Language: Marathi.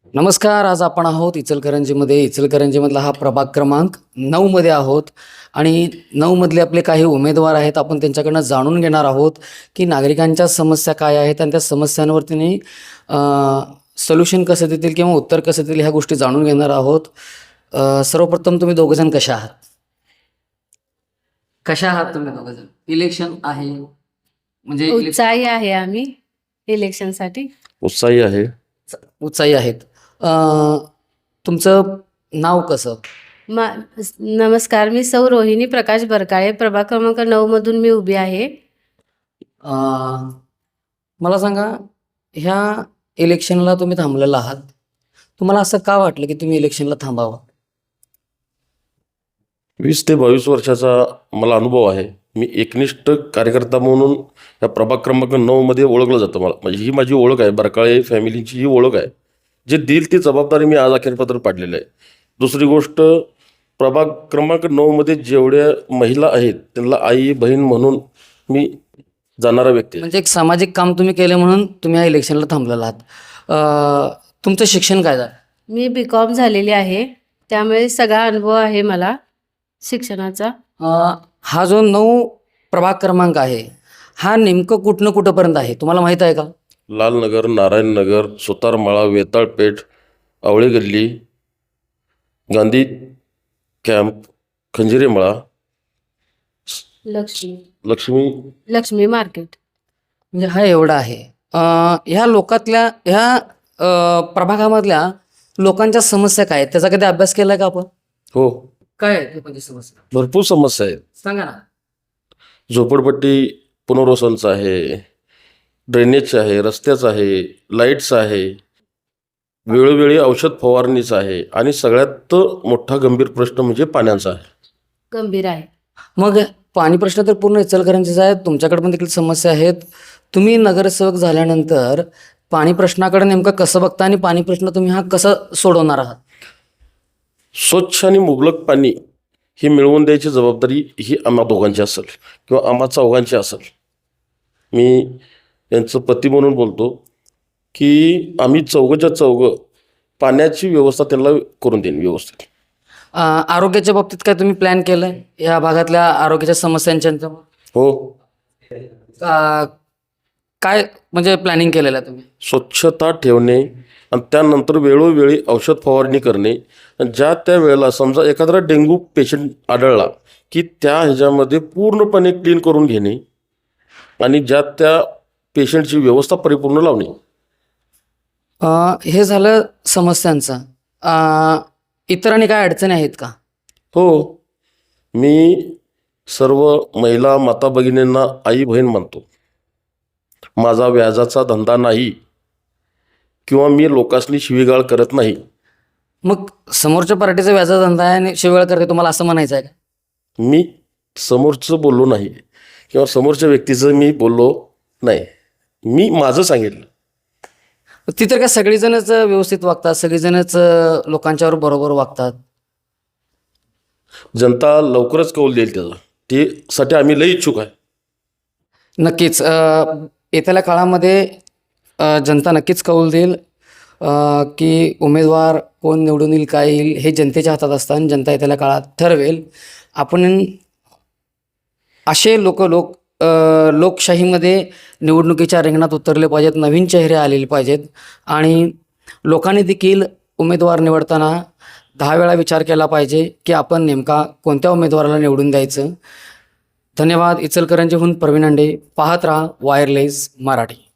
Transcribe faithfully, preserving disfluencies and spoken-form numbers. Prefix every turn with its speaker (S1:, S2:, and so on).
S1: नमस्कार. आज आपण आहोत इचलकरंजीमध्ये. इचलकरंजीमधला हा प्रभाग क्रमांक नऊमध्ये आहोत आणि नऊमधले आपले काही उमेदवार आहेत. आपण त्यांच्याकडनं जाणून घेणार आहोत की नागरिकांच्या समस्या काय आहेत आणि त्या समस्यांवर त्यांनी सोल्युशन कसं देतील किंवा उत्तर कसं देतील ह्या गोष्टी जाणून घेणार आहोत. अ, सर्वप्रथम तुम्ही दोघंजण कशा आहात? कशा आहात तुम्ही दोघंजण? इलेक्शन आहे म्हणजे इलेक्शन
S2: उत्साही आहे आम्ही इलेक्शनसाठी.
S3: उत्साही आहे.
S1: उत्साही आहेत. अ, तुमचं नाव कसं?
S2: मा नमस्कार, मी सौ रोहिणी प्रकाश बरकाळे, प्रभाग क्रमांक नऊ मधून मी उभी आहे.
S1: अ, मला सांगा, ह्या इलेक्शनला तुम्ही थांबलेला आहात. तुम्हाला असं का वाटलं की तुम्ही इलेक्शनला थांबावं?
S3: वीस ते बावीस वर्षाचा मला अनुभव आहे. मी एकनिष्ठ कार्यकर्ता म्हणून या प्रभाग क्रमांक नऊमध्ये ओळखलं जातं. मला म्हणजे ही माझी ओळख आहे. बरकाळे फॅमिलीची ही ओळख आहे. जे देईल ती जबाबदारी मी आज अखेरपत्र पाडलेलं आहे. दुसरी गोष्ट, प्रभाग क्रमांक नऊमध्ये जेवढ्या महिला आहेत त्यांना आई बहीण म्हणून मी जाणारा व्यक्ती आहे.
S1: म्हणजे एक सामाजिक काम तुम्ही केले म्हणून तुम्ही ह्या इलेक्शनला थांबलेला आहात. अ, तुमचं शिक्षण काय झालं?
S2: मी बी कॉम झालेली आहे, त्यामुळे सगळा अनुभव आहे मला शिक्षणाचा.
S1: अ, हा जो नऊ प्रभाग क्रमांक आहे हा नेमकं कुठनं कुठंपर्यंत आहे तुम्हाला माहीत आहे का?
S3: लालनगर, नारायणनगर, सुतारमाळा, वेताळपेठ, आवळे गल्ली, गांधी कॅम्प, खंजिरेमळा,
S2: लक्ष्मी
S3: लक्ष्मी
S2: लक्ष्मी मार्केट.
S1: म्हणजे हा एवढा आहे. अ, ह्या लोकातल्या ह्या अ, प्रभागामधल्या लोकांच्या समस्या काय आहेत त्याचा कधी अभ्यास केलाय का आपण?
S3: हो,
S1: काय आहेत लोकांची समस्या
S3: भरपूर समस्या आहेत.
S1: सांगा ना.
S3: झोपडपट्टी पुनर्वसनचं आहे, ड्रेनेजचं आहे, रस्त्याचं आहे, लाईट्स आहे, वेळोवेळी औषध फवारणीचं आहे आणि सगळ्यात मोठा गंभीर प्रश्न म्हणजे पाण्याचा आहे.
S2: गंभीर आहे.
S1: मग पाणी प्रश्न तर पूर्ण इचलकरंजीचा आहे. तुमच्याकडे पण देखील समस्या आहेत. तुम्ही नगरसेवक झाल्यानंतर पाणी प्रश्नाकडे नेमकं कसं बघता आणि पाणी प्रश्न तुम्ही हा कसं सोडवणार आहात?
S3: स्वच्छ आणि मुबलक पाणी ही मिळवून द्यायची जबाबदारी ही आम्हा दोघांची असेल किंवा आम्हा चौघांची असेल. मी यांचं पती म्हणून बोलतो की आम्ही चौघच्या चौघं पाण्याची व्यवस्था त्यांना करून देईन व्यवस्थित.
S1: अ, आरोग्याच्या बाबतीत काय तुम्ही प्लॅन केलंय या भागातल्या आरोग्याच्या समस्यांच्या?
S3: हो,
S1: अ, काय म्हणजे प्लॅनिंग केलेलं आहे तुम्ही?
S3: स्वच्छता ठेवणे आणि त्यानंतर वेळोवेळी औषध फवारणी करणे. ज्या त्या वेळेला समजा एखादा डेंग्यू पेशंट आढळला की त्या ह्याच्यामध्ये पूर्णपणे क्लीन करून घेणे आणि ज्या त्या पेशंटची व्यवस्था परिपूर्ण लावणे.
S1: अ, हे झालं समस्यांचं. अ, इतर आणि काय अडचणी आहेत का?
S3: हो, मी सर्व महिला माता भगिनींना आई बहीण मानतो. माझा व्याजाचा धंदा नाही किंवा मी लोकांनी शिवीगाळ करत नाही.
S1: मग समोरच्या पार्टीचा व्याजा धंदा आहे आणि शिवाळ करते तुम्हाला असं म्हणायचं आहे का?
S3: मी समोरचं बोललो नाही किंवा समोरच्या व्यक्तीचं मी बोललो नाही. मी माझं सांगितलं.
S1: ती तर काय सगळीजणच व्यवस्थित वागतात, सगळीजणच लोकांच्यावर बरोबर वागतात.
S3: जनता लवकरच कौल देईल त्याचा. त्यासाठी आम्ही लई इच्छुक आहे.
S1: नक्कीच अ, येत्याल्या काळामध्ये अ, जनता नक्कीच कौल देईल अ, की उमेदवार कोण निवडून येईल, काय येईल हे जनतेच्या हातात असतं आणि जनता येत्याल्या काळात ठरवेल. आपण असे लोक लोक अ, लोकशाहीमध्ये निवडणुकीच्या रिंगणात उतरले पाहिजेत, नवीन चेहरे आलेले पाहिजेत आणि लोकांनी देखील उमेदवार निवडताना दहा वेळा विचार केला पाहिजे की आपण नेमका कोणत्या उमेदवाराला निवडून द्यायचं. धन्यवाद. इचलकरंजीहून प्रवीण अंडे. पाहत राहा वायरलेस मराठी.